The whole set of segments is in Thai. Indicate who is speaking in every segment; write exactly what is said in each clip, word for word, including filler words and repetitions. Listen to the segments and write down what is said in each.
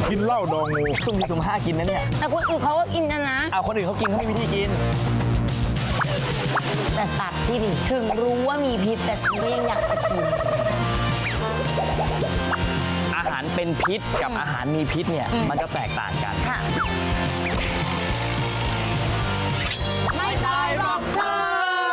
Speaker 1: กินเหล้าดองงู
Speaker 2: สุ่มสี่สุ่มห้ากินนะเนี่ย
Speaker 3: แต่คนอื่นเขาก็กินนะนะ
Speaker 2: เอาคนอื่นเขากินเขาไม่มีวิธีกิน
Speaker 3: แต่สัตว์ที่นี่ถึงรู้ว่ามีพิษแต่ฉันก็ยังอยากจะกิน
Speaker 2: อาหารเป็นพิษกับอาหารมีพิษเนี่ยมันจะแตกต่างกัน
Speaker 3: ค่ะไม่ตายหรอกเธอ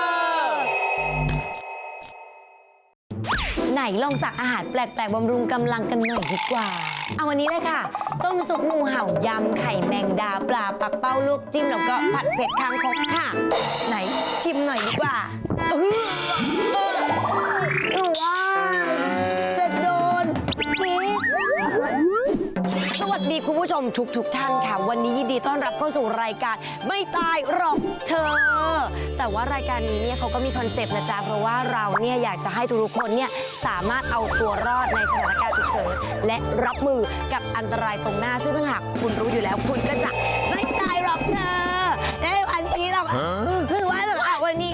Speaker 3: ไหนลองสั่งอาหารแปลกๆบำรุงกำลังกันหน่อยดีกว่าเอาวันนี้เลยค่ะต้มซุปงูเห่ายำไข่แมงดาปลาปักเป้าลวกจิ้มแล้วก็ผัดเผ็ดคางคกค่ะไหนชิมหน่อยดีกว่าเออเออหรือว่าจะโดนพิษสวัสดีคุณผู้ชมทุกทุกท่านค่ะวันนี้ยินดีต้อนรับเข้าสู่รายการไม่ตายหรอกเธอแต่ว่ารายการนี้เนี่ยเขาก็มีคอนเซปต์นะจ๊ะเพราะว่าเราเนี่ยอยากจะให้ทุกคนเนี่ยสามารถเอาตัวรอดในสถานการณ์ฉุกเฉินและรับมือกับอันตรายตรงหน้าซึ่งถ้าหากคุณรู้อยู่แล้วคุณก็จะไม่ตายหรอกเธอในวันนี้เราคือว่าแบบวันนี้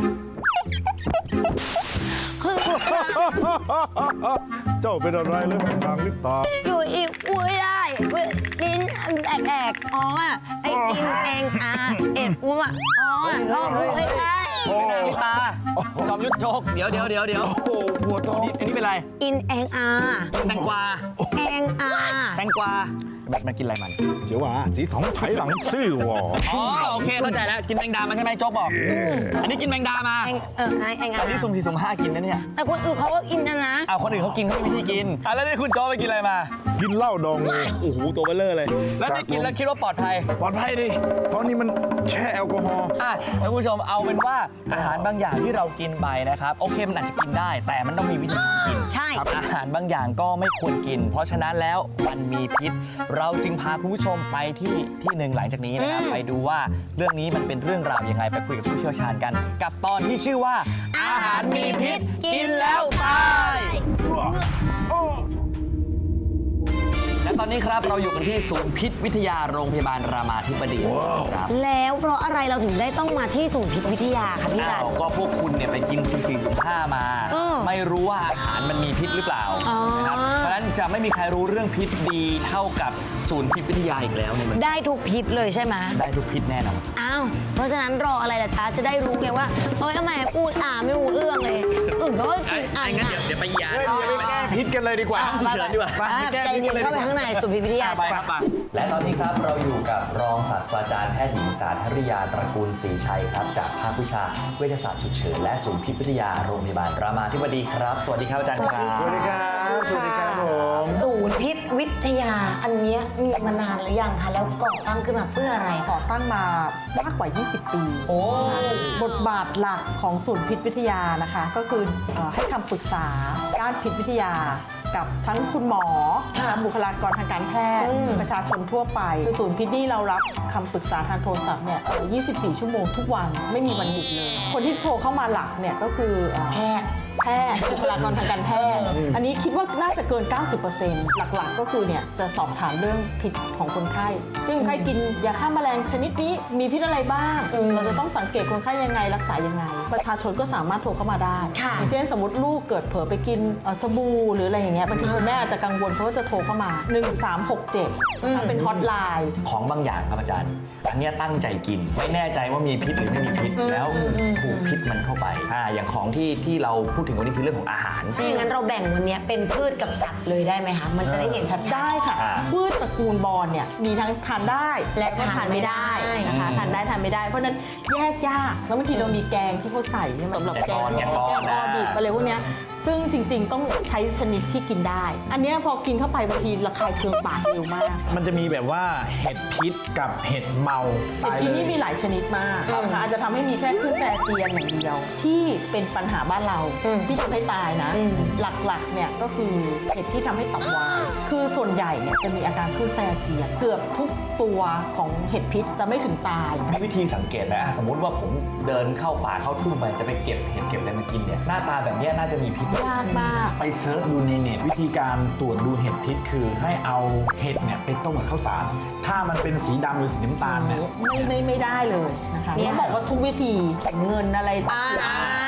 Speaker 1: เจ้าเป็นอะไรเลยทางลิปตา
Speaker 3: อยู่อีกอุ้ยได้ลิ้นแอกๆอ๋อไอ้ตินเองอ่ะเอ็ดอุ้มอ่ะอ๋อก็ไม่ได้
Speaker 2: ไม่น่าลิตาจอมยุทธโจกเดี๋ยวเดี๋ยวเดี๋ยวเดี๋ยว
Speaker 1: โอ้ปวดท้อง
Speaker 2: อันนี้เป็นอะไร
Speaker 3: อินเองอ่ะ
Speaker 2: แตงกวา
Speaker 3: เองอ่ะ
Speaker 2: แตงกวามันกินอะไรมัน
Speaker 1: เดี๋ยวว่าสีสองไถหลังซื่อวอ
Speaker 2: อ๋อโอเคเข้าใจแล้วกินแมงดามาใช่ไหมโจ๊กบอกอันนี้กินแมงดามา
Speaker 3: เออไอ้ไอ้
Speaker 2: อันนี้สุ่มสี่สุ่มห้ากินนะเนี่ย
Speaker 3: แต่คนอื่นเขาก็กินนะนะ
Speaker 2: เอาคนอื่นเขากินเขาไม่มีวิธีกินอ่ะแล้วนี่คุณโจ๊กไปกินอะไรมา
Speaker 1: กินเหล้าดองงู
Speaker 2: โอ้โหตัวเบลเลอร์เลยแล้วนี่กินแล้วคิดว่าปลอดภัย
Speaker 1: ปลอดภัยดิเพราะนี่มันแช่แอลกอฮอล์
Speaker 2: อ่ะท่านผู้ชมเอาเป็นว่าอาหารบางอย่างที่เรากินไปนะครับโอเคมันอาจจะกินได้แต่มันต้องมีวิธีกิน
Speaker 3: ใช่
Speaker 2: อาหารบางอย่างก็ไม่ควรกินเพราะฉะนั้นแล้วมันมีพิษเราจึงพาคุณผู้ชมไปที่ที่หนึ่งหลังจากนี้นะครับไปดูว่าเรื่องนี้มันเป็นเรื่องราวยังไงไปคุยกับผู้เชี่ยวชาญกันกับตอนที่ชื่อว่าอาหารมีพิษกินแล้วตายและตอนนี้ครับเราอยู่กันที่ศูนย์พิษวิทยาโรงพยาบาลรามาธิบดีครับ
Speaker 3: แล้วเพราะอะไรเราถึงได้ต้องมาที่ศูนย์พิษวิทยาคะพี่รัต
Speaker 2: ก็พวกคุณเนี่ยไปกินสุ่มสี่สุ่มห้ามาไม่รู้ว่าอาหารมันมีพิษหรือเปล่านะครับเพราะฉะนั้นจะไม่มีใครรู้เรื่องพิษดีเท่ากับศูนย์พิษวิทยาอีกแล้วเนี่ยมัน
Speaker 3: ได้ทุกพิษเลยใช่ไหม
Speaker 2: ได้ทุกพิษแน่นอน
Speaker 3: อ้าวเพราะฉะนั้นรออะไรล่ะจ๊ะจะได้รู้ไงว่าเอ้ยทำไมพูดอ่าไม่รู้เรื่องเลยอื่นก็กินอ่า
Speaker 2: งั้นเดี๋ยวเดี๋ยวไปยา
Speaker 1: ไปแก้พิษกันเลยดีกว่า
Speaker 2: ฉุกเฉินดีกว่า
Speaker 3: ใจเย็นเข้าไปข้างในศูนย์พิษวิทยา
Speaker 2: ไปครับและตอนนี้ครับเราอยู่กับรองศาสตราจารย์แพทย์หญิงสาธริยาตระกูลศรีชัยครับจากภาควิชาเวชศาสตร์ฉุกเฉินและศูนย์พิษวิทยาโรงพยาบาลรามาธิบดีครับสวัสดีครับอาจารย์ครับ
Speaker 1: สวัสดีครับสวัสดีครับผม
Speaker 3: ศูนย์พิษวิทยาอันนี้มีมานานหรือยังคะแล้วก่อตั้งขึ้นมาเพื่ออะไร
Speaker 4: ก่อตั้งมามากกว่ายี่สิบปี
Speaker 3: โอ้
Speaker 4: บทบาทหลักของศูนย์พิษวิทยานะคะก็คือให้คำปรึกษาด้านพิษวิทยากับทั้งคุณหมอบุคลากรทางการแพทย์ประชาชนทั่วไปคือศูนย์พิษนี่เรารับคำปรึกษาทางโทรศัพท์เนี่ยยี่สิบสี่ ชั่วโมงทุกวันไม่มีวันหยุดเลยคนที่โทรเข้ามาหลักเนี่ยก็คือ
Speaker 3: แพทย์
Speaker 4: แพทย์บุคลากรทางการแพทย์อันนี้คิดว่าน่าจะเกิน เก้าสิบเปอร์เซ็นต์ หลักๆก็คือเนี่ยจะสอบถามเรื่องพิษของคนไข้ซึ่งคนไข้กินยาฆ่าแมลงชนิดนี้มีพิษอะไรบ้างเราจะต้องสังเกตคนไข้ยังไงรักษายังไงประชาชนก็สามารถโทรเข้ามาได้อย่างเช่นสมมติลูกเกิดเผลอไปกินสบู่หรืออะไรอย่างเงี้ยบางทีคุณแม่อาจจะกังวลเพราะว่าจะโทรเข้ามาหนึ่งสามหกเจ็ดถ้าเป็นฮอตไลน์
Speaker 2: ของบางอย่างครับอาจารย์อันนี้ตั้งใจกินไม่แน่ใจว่ามีพิษหรือไม่มีพิษแล้วถูกพิษมันเข้าไปอ่าอย่างของที่ที่เราพูดถึงวันนี้คือเรื่องของอาหาร
Speaker 3: ถ้าอย่างนั้นเราแบ่งวันนี้เป็นพืชกับสัตว์เลยได้ไหมคะมันจะได้เห็นชัดๆ
Speaker 4: ได้ค่ะพืชตระกูลบอนเนี่ยมีทั้งทานได้
Speaker 3: และทานไม่ได้
Speaker 4: นะคะทานได้ทานไม่ได้เพราะนั้นแยกยากแล้วบางทีเรามีแกงที่เขาใส่เนี่ยสำหรับแกงแกงออดิบอะไรพวกเนี้ยซึ่งจริงๆต้องใช้ชนิดที่กินได้อันนี้พอกินเข้าไปบางทีระคายเคืองปากเร็วมาก
Speaker 1: มันจะมีแบบว่าเห็ดพิษกับเห็ดเมา
Speaker 4: เห็ดพิษนี่มีหลายชนิดมากนะคะอาจจะทำให้มีแค่คลื่นแทรเจียนอย่างเดียวที่เป็นปัญหาบ้านเราที่ทำให้ตายนะหลักๆเนี่ยก็คือเห็ดที่ทำให้ตับวายคือส่วนใหญ่เนี่ยจะมีอาการคลื่นแทรเจียนเกือบทุกตัวของเห็ดพิษจะไม่ถึงตาย
Speaker 2: มีวิธีสังเกตไหมสมมติว่าผมเดินเข้าป่าเข้าทุ่งไปจะไปเก็บเห็ดเก็บอะไรมากินเนี่ยหน้าตาแบบนี้น่าจะมีพิษ
Speaker 4: ยากมาก
Speaker 1: ไปเซิร์ชดูในเน็ตวิธีการตรวจดูเห็ดพิษคือให้เอาเห็ดเนี่ยไปต้มกับข้าวสารถ้ามันเป็นสีดำหรือสีน้ำตาลเนี่ย
Speaker 4: ไม่ไม่ไม่ได้เลยนะคะต้องบอกว่าทุกวิธีเข็มเงินอะไรต่าง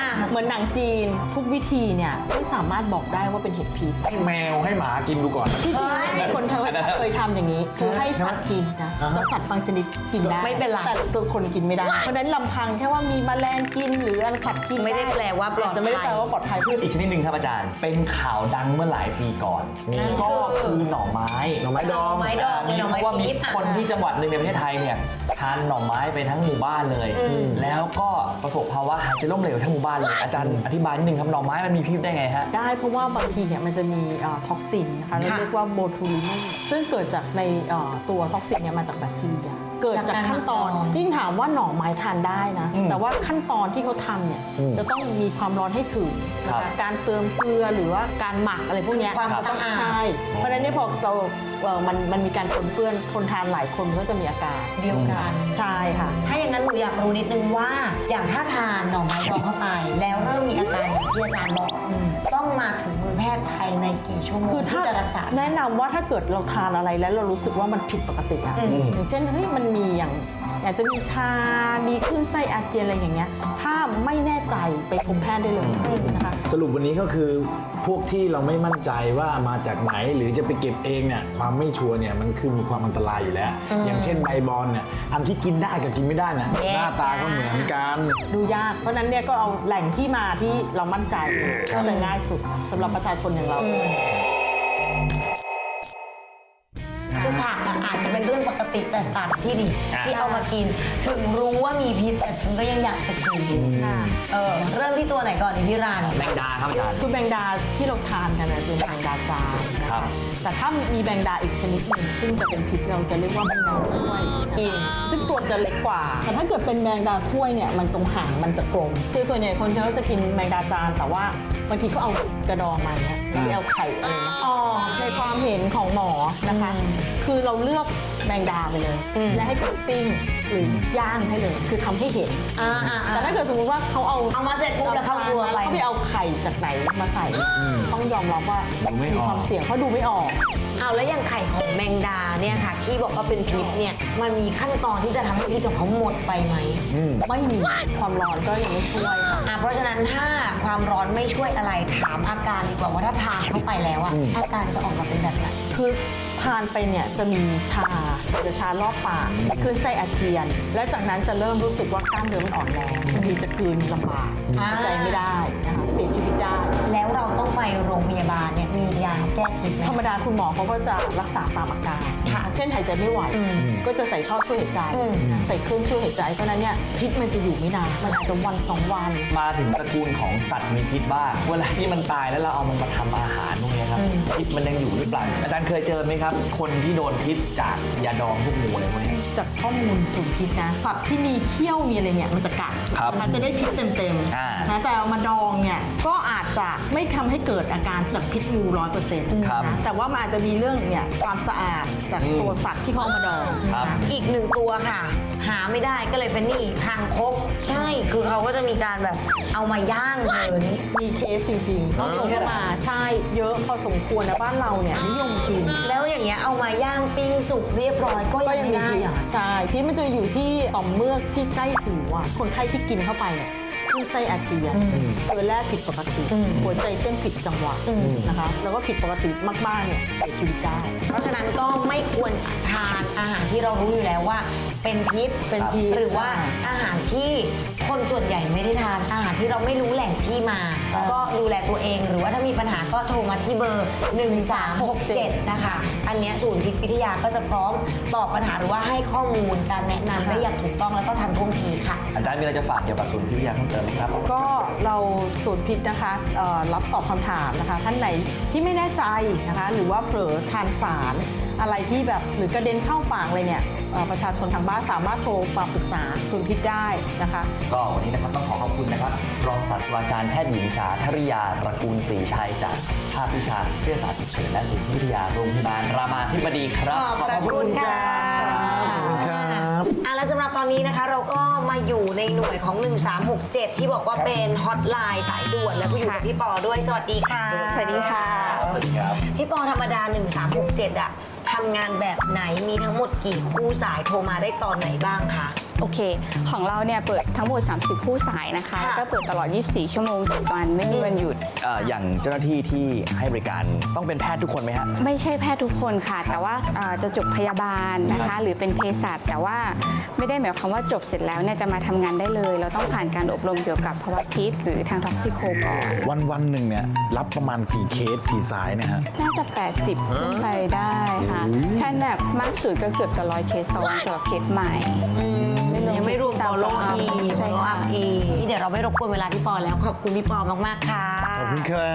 Speaker 4: เหมือนหนังจีนทุกวิธีเนี่ยไม่สามารถบอกได้ว่าเป็นเห็ดพิษ
Speaker 1: ให้แมวให้หมากินดูก่อน
Speaker 4: ที่จริงมีคนเคยเคยทำอย่างนี้ คือให้สัตว์กินนะ
Speaker 1: อ่าฮะ
Speaker 4: แล้วสัตว์บางชนิดกินได้
Speaker 3: ไม่เป็นไร
Speaker 4: แต่ตัวคนกินไม่ได้ เพราะฉะนั้นลำพังแค่ว่ามีแมลงกินหรืออะไรสัตว์กิน
Speaker 3: ไม่ได้แปลว่าปลอดภัย
Speaker 4: จะไม่ได้แปลว่าปลอดภัยพืช
Speaker 2: อีกชนิดหนึ่งครับอาจารย์ เป็นข่าวดังเมื่อหลายปีก่อน
Speaker 3: นั่น
Speaker 2: ก็
Speaker 3: คือ
Speaker 2: คือหน่อไม้
Speaker 1: หน่อไม้ดอง
Speaker 3: หน่อไม้ดอง
Speaker 2: มี
Speaker 3: หน่อ
Speaker 2: เพ
Speaker 3: ไม้
Speaker 2: ราะว่ามี
Speaker 3: ปี๊บ
Speaker 2: คนที่จังหวัดหนึ่งในประเทศไทยเนี่ยทานหน่อไม้ไปทั้งหมู่บ้านเลย
Speaker 3: อืม
Speaker 2: แล้วก็ประสบภาวะหายใจล้มเหลวทั้งหมู่บ้านเลยอาจารย์อธิบายนิดนึงครับหน่อไม้มันมีพิษได้ไงฮะ
Speaker 4: ได้เพราะว่าบางทีเนี่ยมันจะมีท็อกซินนะคะเรา
Speaker 3: ค่ะ
Speaker 4: เรียกว่าโบทูลินซึ่งเกิดจากในเอ่อตัวท็อกซินเนี่ยมาจากแบคทีเรียเกิดจากขั้นตอน
Speaker 3: จากการหมักดอง
Speaker 4: ยิ่งถามว่าหน่อไม้ทานได้นะ
Speaker 2: อืม
Speaker 4: แต่ว่าขั้นตอนที่เขาทำเนี่ย
Speaker 1: อืม
Speaker 4: จะต้องมีความร้อนให้ถึงนะ
Speaker 2: ครั
Speaker 4: คะ
Speaker 2: บ
Speaker 4: การเติมเกลือหรือว่าการหมักอะไรพวกเนี้ย
Speaker 3: ความ
Speaker 4: ต้อง
Speaker 3: สะอาด
Speaker 4: ใช่เพราะฉะนั้นเนี่ยพอเราเอ่อมันมันมีการปนเปื้อนคนทานหลายคนก็จะมีอาการ
Speaker 3: เดียวกัน
Speaker 4: ใช่ค่ะ
Speaker 3: ถ้าอย่างนั้นหนูอยากรู้นิดนึงว่า อย่างถ้าทานหน่อไม้ดองเข้าไป แล้วเริ่มมีอาการอย่างที่อาจารย์บอกต้องมาถึงมือแพทย์ภายในกี่ชั่วโมง
Speaker 4: คือถ้า
Speaker 3: ที่จะรักษา
Speaker 4: แนะนำว่าถ้าเกิดเราทานอะไรแล้วเรารู้สึกว่ามันผิดปกติอะ
Speaker 3: อืม
Speaker 4: อย่างเช่นเฮ้ยมันมีอย่างอยากจะมีชา มีคลื่นไส้อาเจียนอะไรอย่างเงี้ยถ้าไม่แน่ใจไปพบแพทย์ได้เลยนะคะ
Speaker 1: สรุปวันนี้ก็คือพวกที่เราไม่มั่นใจว่ามาจากไหนหรือจะไปเก็บเองเนี่ยความไม่ชัวร์เนี่ยมันคือมีความอันตรายอยู่แล้ว อย่างเช่นใบบอลเนี่ยอันที่กินได้กับกินไม่ได้เนี่ย
Speaker 3: แยก
Speaker 1: หน้าตาก็เหมือนกัน
Speaker 4: ดูยาก เพราะฉะนั้นเนี่ยก็เอาแหล่งที่มาที่เรามั่นใจก็จะง่ายสุดสำหรับประชาชนอย่างเรา
Speaker 3: คือผักอะอาจจะเป็นเรื่องปกติแต่สัตว์ที่ดิ
Speaker 2: อ่า
Speaker 3: ที่เอามากิน ถึงรู้ว่ามีพิษแต่ฉันก็ยังอยากจะกินเออเริ่มที่ตัวไหนก่อนดีพี่รัน
Speaker 2: แมงดาครับอาจารย์
Speaker 4: คือแมงดาที่เราทานกันนะคือแมงดาจานนะ
Speaker 2: ครั
Speaker 4: คะ
Speaker 2: บ
Speaker 4: แต่ถ้ามีแมงดาอีกชนิดหนึ่งซึ่งจะเป็นพิษเราจะเรียกว่าแมงดาถ้วยกินซึ่งตัวจะเล็กกว่า แต่ถ้าเกิดเป็นแมงดาถ้วยเนี่ยมันตรงหางมันจะกลมคือส่วนใหญ่คนเขาจะกินแมงดาจานแต่ว่าบางทีเขาเอากระดองมาเนี่ยแล้วเอาไข่อะไรมาใส่
Speaker 3: อ๋อ
Speaker 4: ในความเห็นของหมอนะคะ คือเราเลือกแมงดาไปเลย
Speaker 3: อืม
Speaker 4: และให้เขาปิ้งหรือย่างให้เลย คือทำให้เห็น
Speaker 3: อ่าอ่า
Speaker 4: แต่ถ้าเกิดสมมติว่าเขาเอา
Speaker 3: เอามาเสร็จปุ๊บแล้วเข้าครัวไป
Speaker 4: เขาไปเอาไข่จากไหนมาใส่ ต้องยอมรับว่า
Speaker 1: ดูไม่ออก
Speaker 4: ความเสี่ยงเพราะดูไม่ออก
Speaker 3: เอาแล้วอย่างไข่ของแมงดาเนี่ยค่ะ ที่บอกว่าเป็นพิษเนี่ยมันมีขั้นตอนที่จะทำให้พิษของเขาหมดไปไหม
Speaker 4: ไม่มีความร้อนก็ยังไม่ช่วยค่ะ
Speaker 3: อ่ะเพราะฉะนั้นถ้าความร้อนไม่ช่วยอะไรถามอาการดีกว่าว่าถ้าทานเข้าไปแล้วอะอาการจะออกมาเป็นแบบไหน
Speaker 4: คือทานไปเนี่ยจะมีชาจะชารอบปากคลื่นไส้อาเจียน และจากนั้นจะเริ่มรู้สึกว่ากล้ามเนื้อมันอ่อนแรงบางทีจะกลืนลำบาก
Speaker 3: อ่า
Speaker 4: หายใจไม่ได้นะคะเสียชีวิตได้
Speaker 3: แล้วเราต้องไปโรงพยาบาลเนี่ยมียาแก้พิษไหม
Speaker 4: ธรรมดาคุณหมอเขาก็จะรักษาตามอาการ
Speaker 3: ค่ะ
Speaker 4: เช่นหายใจไม่ไหว
Speaker 3: อืม
Speaker 4: ก็จะใส่ท่อช่วยหายใจ
Speaker 3: อืม
Speaker 4: ใส่เครื่องช่วยหายใจ เพราะฉะนั้นเนี่ยพิษมันจะอยู่ไม่นาน มันอาจจะวันสองวัน
Speaker 2: มาถึงตระกูลของสัตว์มีพิษบ้างเวลาที่มันตายแล้วเราเอามันมาทำอาหารพวกนี้ครับพิษมันยังอยู่หรือเปล่าอาจารย์เคยเจอไหมครับ คนที่โดนพิษจากยาดองพวกงูอะไรพวกนี้
Speaker 4: จากข้อมูลสูตรพิษนะสัตว์ที่มีเขี้ยวมีอะไรเนี่ยมันจะกัด
Speaker 2: ครับ
Speaker 4: มันจะได้พิษเต็ม
Speaker 2: อ่า
Speaker 4: ๆนะแต่เอามาดองเนี่ยก็อาจจะไม่ทำให้เกิดอาการจากพิษงูร้อยเปอร์เซ็นต์
Speaker 2: ครับ
Speaker 4: นะแต่ว่ามันอาจจะมีเรื่องเนี่ยความสะอาดจาก
Speaker 2: อืม
Speaker 4: ตัวสัตว์ที่เขาเอามาดอง
Speaker 2: ครับ
Speaker 4: นะ
Speaker 3: อีกหนึ่งตัวค่ะ หาไม่ได้ก็เลยเป็นนี่คางคกใช่คือเขาก็จะมีการแบบเอามาย่างเธอนี่
Speaker 4: มีเคสจริงๆเขาโทรเข้ามาใช่เยอะพอสมควรนะบ้านเราเนี่ยนิยมกิน
Speaker 3: แล้วอย่างเงี้ยเอามาย่างปิ้งสุกเรียบร้อยก็
Speaker 4: ก็
Speaker 3: ยัง
Speaker 4: ยัง
Speaker 3: ไม่
Speaker 4: มี
Speaker 3: ได้
Speaker 4: พิษ
Speaker 3: เหรอ
Speaker 4: ใช่พิษมันจะอยู่ที่ต่อมเมือกที่ใกล้หูอ่ะคนไข้ที่กินเข้าไปเนี่ยคือไส้อาเจียน
Speaker 3: อืม
Speaker 4: เกลือแร่ผิดปกติ
Speaker 3: อืม
Speaker 4: หัวใจเต้นผิดจังหวะ
Speaker 3: อืม
Speaker 4: นะคะแล้วก็ผิดปกติมากๆเนี่ยเสียชีวิตได้
Speaker 3: เพราะฉะนั้นก็ไม่ควรจะทานอาหารที่เรารู้อยู่แล้วว่า เป็นพิษ
Speaker 4: เป็นพิษ
Speaker 3: หรือว่าอาหารที่คนส่วนใหญ่ไม่ได้ทานอาหารที่เราไม่รู้แหล่งที่มา ก็ดูแลตัวเองหรือว่าถ้ามีปัญหาก็โทรมาที่เบอร์ หนึ่งสามหกเจ็ด นะคะ อันเนี้ยศูนย์พิษวิทยาก็จะพร้อมตอบปัญหาหรือว่าให้ข้อมูลการแนะนำได้อย่างถูกต้องแล้วก็ทันท่วงทีค่ะ
Speaker 2: อาจารย์มีอะไรจะฝากเกี่ยวกับศูนย์พิษวิทยาเพิ่มเติมไหมครับ
Speaker 4: ก็เราศูนย์พิษนะคะเอ่อรับตอบคำถามนะคะ ท่านไหนที่ไม่แน่ใจนะคะ หรือว่าเผลอทานสารอะไรที่แบบหรือกระเด็นเข้าปากเลยเนี่ยเอ่อประชาชนทางบ้านสามารถโทรมาปรึกษาศูนย์พิษได้นะคะ
Speaker 2: ก็วันนี้นะครับต้องขอขอบคุณนะครับ รองศาสตราจารย์แพทย์หญิงสาธริยาตระกูลศรีชัยจากภาควิชาเภสัชฉุกเฉินและศูนย์พิษวิทยาโรงพยาบาลรามาธิบดีครับ
Speaker 3: ขอบคุณค่ะ
Speaker 1: ขอบคุณครับ
Speaker 3: อ่ะแล้วสำหรับตอนนี้นะคะเราก็มาอยู่ในหน่วยของ หนึ่งสามหกเจ็ด ที่บอกว่าเป็นฮอตไลน์สายด่วนแล้วก็อยู่กับพี่ปอด้วยสวัสดีค่ะ
Speaker 4: สวัสดีค่ะ
Speaker 2: สวัสดีครับ
Speaker 3: พี่ปอธรรมดา หนึ่งสามหกเจ็ด อะทำงานแบบไหนมีทั้งหมดกี่คู่สายโทรมาได้ตอนไหนบ้างคะ
Speaker 5: โอเค ของเราเนี่ยเปิดทั้งหมด สามสิบ คู่สายนะคะ
Speaker 3: ค่ะ
Speaker 5: แล้วก็เปิดตลอด ยี่สิบสี่ ชั่วโมงเจ็ดวันไม่มีวันหยุด
Speaker 2: เอ่ออย่างเจ้าหน้าที่ที่ให้บริการต้องเป็นแพทย์ทุกคนไหมฮะ
Speaker 5: ไม่ใช่แพทย์ทุกคนค่ะ แต่ว่าเอ่อจะจบพยาบาลนะคะ หรือเป็นเภสัชแต่ว่าไม่ได้หมายความว่าจบเสร็จแล้วเนี่ยจะมาทำงานได้เลย เราต้องผ่านการอบรมเกี่ยวกับภาวะพิษหรือทางท็อกซิโคก่อน
Speaker 1: วันวันๆหนึ่งเนี่ยรับประมาณกี่เคสกี่สายเนี่ยฮะ
Speaker 5: น่าจะ แปดสิบ ขึ้นไปได้ค่ะถ้าหนักมากสุดก็เกือบจะร้อยเคสต่อวันสำหรับเคสใหม่
Speaker 3: ยังไม่รวม follow up อีก
Speaker 5: ใช่
Speaker 3: follow
Speaker 5: ค่ะ
Speaker 3: up อีกนี่เดี๋ยวเราไม่รบกวนเวลาพี่ปอแล้ว ขอบคุณพี่ปอมาก ๆ ค่ะ
Speaker 1: ขอบคุณครับ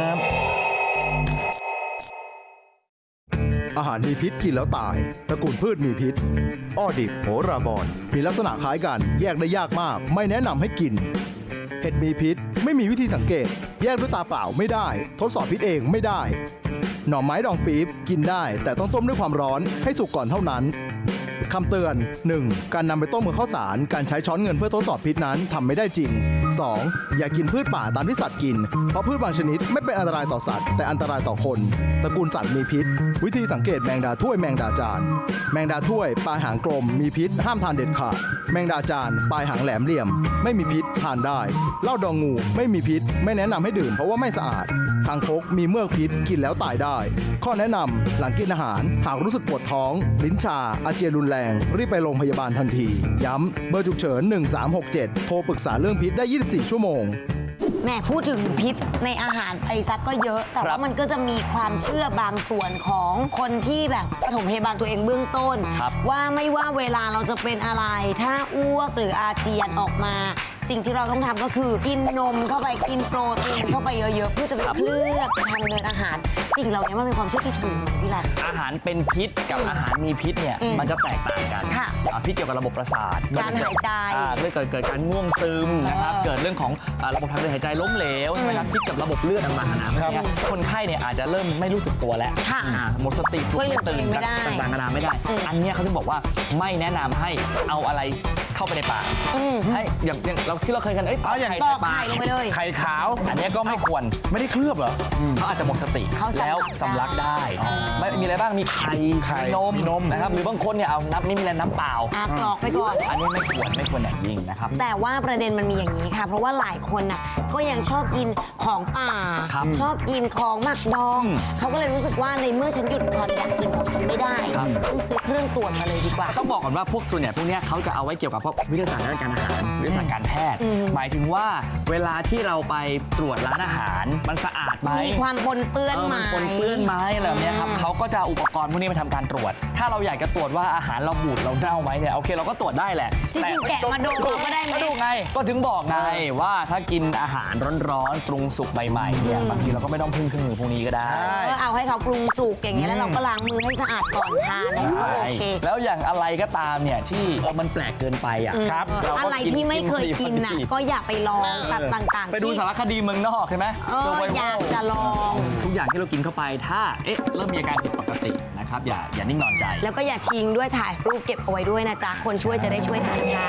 Speaker 6: อาหารมีพิษกินแล้วตาย ตระกูลพืชมีพิษ อ้อดิบโหราบอนมีลักษณะคล้ายกัน แยกได้ยากมาก ไม่แนะนำให้กิน เห็ดมีพิษ ไม่มีวิธีสังเกต แยกด้วยตาเปล่าไม่ได้ ทดสอบพิษเองไม่ได้ หน่อไม้ดองปี๊บกินได้ แต่ต้องต้มด้วยความร้อนให้สุกก่อนเท่านั้นคำเตือน หนึ่ง การนำไปต้มกับข้าวสาร การใช้ช้อนเงินเพื่อทดสอบพิษนั้นทำไม่ได้จริง สอง อย่ากินพืชป่าตามที่สัตว์กิน เพราะพืชบางชนิดไม่เป็นอันตรายต่อสัตว์ แต่อันตรายต่อคน ตระกูลสัตว์มีพิษ วิธีสังเกตแมงดาถ้วยแมงดาจาน แมงดาถ้วยปลายหางกลมมีพิษห้ามทานเด็ดขาด แมงดาจานปลายหางแหลมเหลี่ยม ไม่มีพิษทานได้เหล้าดองงูไม่มีพิษ ไม่แนะนำให้ดื่มเพราะว่าไม่สะอาดคางคกมีเมือกพิษกินแล้วตายได้ ข้อแนะนำหลังกินอาหารหากรู้สึกปวดท้อง ลิ้นชา อาเจียนรุนแรงรีบไปโรงพยาบาลทันที ย้ำเบอร์ฉุกเฉินหนึ่งสามหกเจ็ดโทรปรึกษาเรื่องพิษได้ยี่สิบสี่ชั่วโมง
Speaker 3: แม่พูดถึงพิษในอาหารไปซักก็เยอะ แต่
Speaker 2: ครั
Speaker 3: ว่า
Speaker 2: บ
Speaker 3: มันก็จะมีความเชื่อบางส่วนของคนที่แบบปฐมพยาบาลตัวเองเบื้องต้น
Speaker 2: ครับ
Speaker 3: ว่าไม่ว่าเวลาเราจะเป็นอะไร ถ้าอ้วกหรืออาเจียนออกมา สิ่งที่เราต้องทำก็คือกินนมเข้าไปกินโปรตีนเข้าไปเยอะๆ เพื่อจะไปเคลือบทางเดินอาหา สิ่งเหล่านี้มันเป็นความเชื่อที่ถูกไหมพี่รัต
Speaker 2: อาหารเป็นพิษกับอาหารมีพิษเนี่ย
Speaker 3: อืม
Speaker 2: มันจะแตกต่างกัน
Speaker 3: ค่ะ
Speaker 2: อ่าพิษเกี่ยวกับระบบประสาท
Speaker 3: การหายใจ
Speaker 2: อ่าเรื่องเกิดเกิดการง่วงซึมนะครับ
Speaker 3: เออ
Speaker 2: เกิดเรื่องของอ่าระบบทางเดินหายใจล้มเหลวใช่ไหมครับพิษกับระบบเลือดต่างๆนานาพวกเนี้ยคนไข้เนี่ยอาจจะเริ่มไม่รู้สึกตัวแล้ว
Speaker 3: ค่ะ
Speaker 2: อ่าหมดสติปลุก
Speaker 3: ช่วยเหลื
Speaker 2: ไม่
Speaker 3: อตัว
Speaker 2: ตื่
Speaker 3: เอนงไม่ได้
Speaker 2: ต่างๆนานาไม่ได้
Speaker 3: อืม
Speaker 2: อันเนี้ยเขาถึงบอกว่าไม่แนะนำให้เอาอะไรเข้าไปในปาก
Speaker 3: อืม
Speaker 2: ให้อย่างอย่างเราที่เราเคยกันเอ้ย
Speaker 1: เอาอย่าง
Speaker 2: ไข่
Speaker 3: ต
Speaker 2: ใส่
Speaker 3: อก
Speaker 2: ปา
Speaker 3: ไข่
Speaker 2: ก
Speaker 3: ลงไปเลย
Speaker 1: ไข่ขาว
Speaker 2: อันเนี้ยก็ไม่ควร
Speaker 1: ไม่ได้เคลือบเหรอ
Speaker 2: เขาอาจจะหมดสติ
Speaker 3: เขาสำลัก
Speaker 2: แล้วสำลักได้ ไม่มีอะไรบ้างมีไข่
Speaker 1: ไข่
Speaker 2: มีนม
Speaker 1: มีนม
Speaker 2: นะครับหรือบางคนเนี่ยเอานับนี่มีอะไรน้ำเปล่า
Speaker 3: อากรอกไปก่อน
Speaker 2: อันนี้ไม่ควรไม่ควรอย่างยิ่งนะครับ
Speaker 3: แต่ว่าประเด็นมันมีอย่างนี้ค่ะ เพราะว่าหลายคนน่ะก็ยังชอบกินของป่า
Speaker 2: ครับ
Speaker 3: ชอบกินของหมักดอง
Speaker 2: อืม
Speaker 3: เขาก็เลยรู้สึกว่าในเมื่อฉันหยุดความอยากกินของฉันไม่ได้
Speaker 2: ครับ
Speaker 3: ฉันซื้อเครื่องตรวจมาเลยดีกว่า
Speaker 2: ต้องบอกก่อนว่าพวกส่วนใหญ่พวกเนี้ยเขาจะเอาไว้เกี่ยวกับพวกวิทยาศาสตร์ด้านการอาหารวิทยาศาสตร์การแพทย์
Speaker 3: อืม
Speaker 2: หมายถึงว่าเวลาที่เราไปตรวจร้านอาหารมันสะอาดไหม
Speaker 3: มีความปนเปื้อน
Speaker 2: เออ
Speaker 3: ไหม
Speaker 2: มันปนเปื้อนไหมอะไรแบบเนี้ยครับเขาก็จะเอาอุปกรณ์พวกนี้มาทำการตรวจ ถ้าเราอยากจะตรวจว่าอาหารเราบูดเราเน่าไหมเนี่ยโอเคเราก็ตรวจได้แหละ
Speaker 3: จริงๆแกะมาดมเราก็ได้ไหม
Speaker 2: ก็ดูไงก็ถึงบอกไงว่าถ้ากินอาหารร้อนๆปรุงสุกใหม่ๆเนี่ยบางทีเราก็ไม่ต้องพึ่งเครื่องมือพวกนี้ก็ได้
Speaker 3: ก็เอาให้เขาปรุงสุกอย่างเงี้ยแล้วเราก็ล้างมือให้สะอาดก่อนทานนะก็โอเค
Speaker 2: แล้วอย่างอะไรก็ตามเนี่ยที่เออมันแปลกเกินไปอ่ะ
Speaker 3: อืม
Speaker 2: ครับเาก็
Speaker 3: อะไรที่ไม่เคยกินน่ะก็อย่าไปลองสัตว์ต่างๆ
Speaker 2: ไปดู
Speaker 3: ที่
Speaker 2: สารคดีเมืองนอกใช่ไหม
Speaker 3: เออ
Speaker 2: Survival
Speaker 3: อยากจะลอง
Speaker 2: ทุกอย่างที่เรากินเข้าไปถ้าเอ๊ะเริ่มมีอาการผิดปกตินะครับอย่าอย่านิ่งนอนใจ
Speaker 3: แล้วก็อย่าทิ้งด้วยถ่ายรูปเก็บเอาไว้ด้วยนะจ๊ะคนช่วยจะได้ช่วยทันค่ะ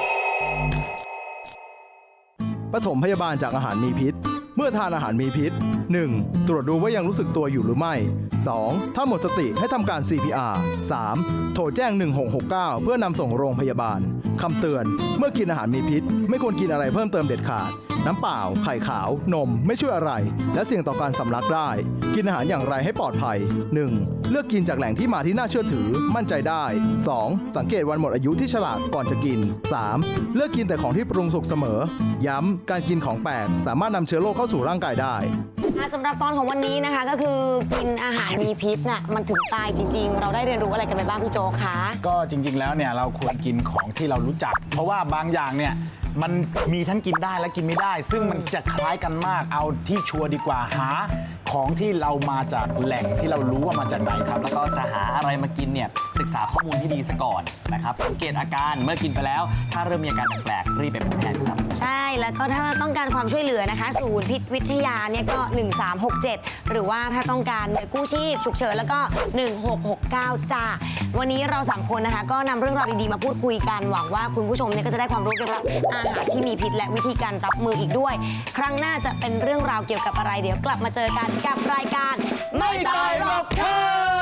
Speaker 6: ปฐมพยาบาลจากอาหารมีพิษ เมื่อทานอาหารมีพิษ หนึ่ง ตรวจดูว่ายังรู้สึกตัวอยู่หรือไม่ สอง ถ้าหมดสติให้ทำการ ซี พี อาร์ สาม โทรแจ้งหนึ่งหกหกเก้าเพื่อนำส่งโรงพยาบาลคำเตือน เมื่อกินอาหารมีพิษ ไม่ควรกินอะไรเพิ่มเติมเด็ดขาด น้ำเปล่า ไข่ขาวนมไม่ช่วยอะไร และเสี่ยงต่อการสำลักได้ กินอาหารอย่างไรให้ปลอดภัย หนึ่ง เลือกกินจากแหล่งที่มาที่น่าเชื่อถือ มั่นใจได้ สอง สังเกตวันหมดอายุที่ฉลากก่อนจะกิน สาม เลือกกินแต่ของที่ปรุงสุกเสมอ ย้ำการกินของแปลกสามารถนำเชื้อโรคเข้าสู่ร่างกายได้
Speaker 3: อ่ะสำหรับตอนของวันนี้นะคะก็คือกินอาหารมีพิษน่ะมันถึงตายจริง ๆ เราได้เรียนรู้อะไรกันไปบ้างพี่โจคะ
Speaker 1: ก็จริง ๆ แล้วเนี่ยเราควรกินของที่เรารู้จัก เพราะว่าบางอย่างเนี่ยมันมีทั้งกินได้และกินไม่ได้ ซึ่งมันจะคล้ายกันมากเอาที่ชัวร์ดีกว่าหาของที่เรามาจากแหล่งที่เรารู้ว่ามาจากไหนครับ
Speaker 2: แล้วก็จะหาอะไรมากินเนี่ยศึกษาข้อมูลที่ดีซะก่อนนะครับสังเกตอาการเมื่อกินไปแล้ว ถ้าเริ่มมีอาการแปลกๆรีบไปพบแพทย์ครับ
Speaker 3: ใช่แล้วก็ถ้าต้องการความช่วยเหลือนะคะศูนย์พิษวิทยาเนี่ยก็หนึ่งสามหกเจ็ดหรือว่าถ้าต้องการหน่วยกู้ชีพฉุกเฉินแล้วก็หนึ่งหกหกเก้าจ้าวันนี้เราสามคนนะคะก็นำเรื่องราวดีๆมาพูดคุยกันหวังว่าคุณผู้ชมเนี่ยก็จะได้ความรู้เกี่ยวกับอาหารที่มีพิษและวิธีการรับมืออีกด้วย ครั้งหน้าจะเป็นเรื่องราวเกี่ยวกับอะไรเดี๋ยวกลับมาเจอกันกับรายการไม่ตายหรอกเธอ